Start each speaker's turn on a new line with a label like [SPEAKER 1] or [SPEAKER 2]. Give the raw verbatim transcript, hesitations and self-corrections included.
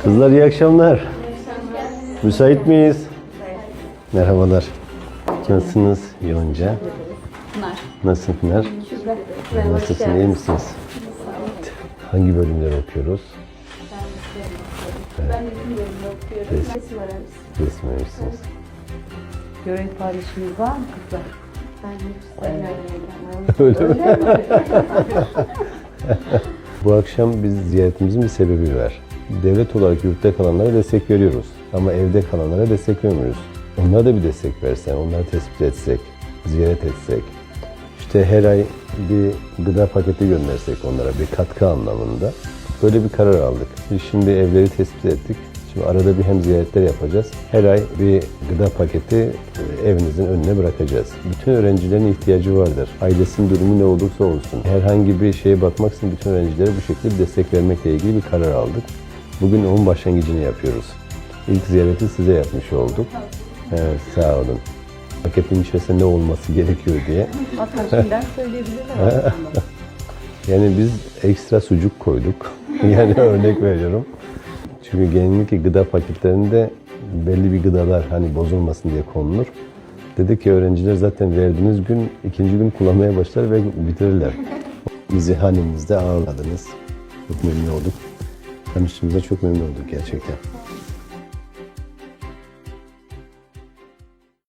[SPEAKER 1] Kızlar iyi akşamlar. Müsait miyiz? Merhabalar. Nasılsınız Yonca?
[SPEAKER 2] Pınar.
[SPEAKER 1] Nasılsın Pınar? Nasılsın, iyi misiniz? Hangi bölümleri okuyoruz?
[SPEAKER 2] Ben de bilmiyorum, okuyorum.
[SPEAKER 1] Resim.
[SPEAKER 2] Resim öğrencisi.
[SPEAKER 1] Resim öğrencisiniz.
[SPEAKER 3] Görev paylaşımınız var mı kızlar?
[SPEAKER 2] Ben hep sayın
[SPEAKER 1] Öyle mi? Bu akşam biz ziyaretimizin bir sebebi var. Devlet olarak yurtta kalanlara destek veriyoruz. Ama evde kalanlara destek vermiyoruz. Onlara da bir destek versen, onları tespit etsek, ziyaret etsek. İşte her ay bir gıda paketi göndersek onlara bir katkı anlamında. Böyle bir karar aldık. Biz şimdi evleri tespit ettik. Şimdi arada bir hem ziyaretler yapacağız. Her ay bir gıda paketi evinizin önüne bırakacağız. Bütün öğrencilerin ihtiyacı vardır. Ailesinin durumu ne olursa olsun. Herhangi bir şeye bakmaksızın bütün öğrencilere bu şekilde bir destek vermekle ilgili bir karar aldık. Bugün onun başlangıcını yapıyoruz. İlk ziyareti size yapmış olduk. Evet, sağ olun. Paketin içerisinde ne olması gerekiyor diye.
[SPEAKER 3] Hatta şimdiden söyleyebilirler aslında.
[SPEAKER 1] Yani biz ekstra sucuk koyduk. Yani örnek veriyorum. Çünkü genellikle gıda paketlerinde belli bir gıdalar hani bozulmasın diye konulur. Dedik ki öğrenciler zaten verdiğiniz gün, ikinci gün kullanmaya başlar ve bitirirler. Bizi hanenizde ağırladınız. Çok memnun olduk. Tanıştığımıza çok memnun olduk gerçekten.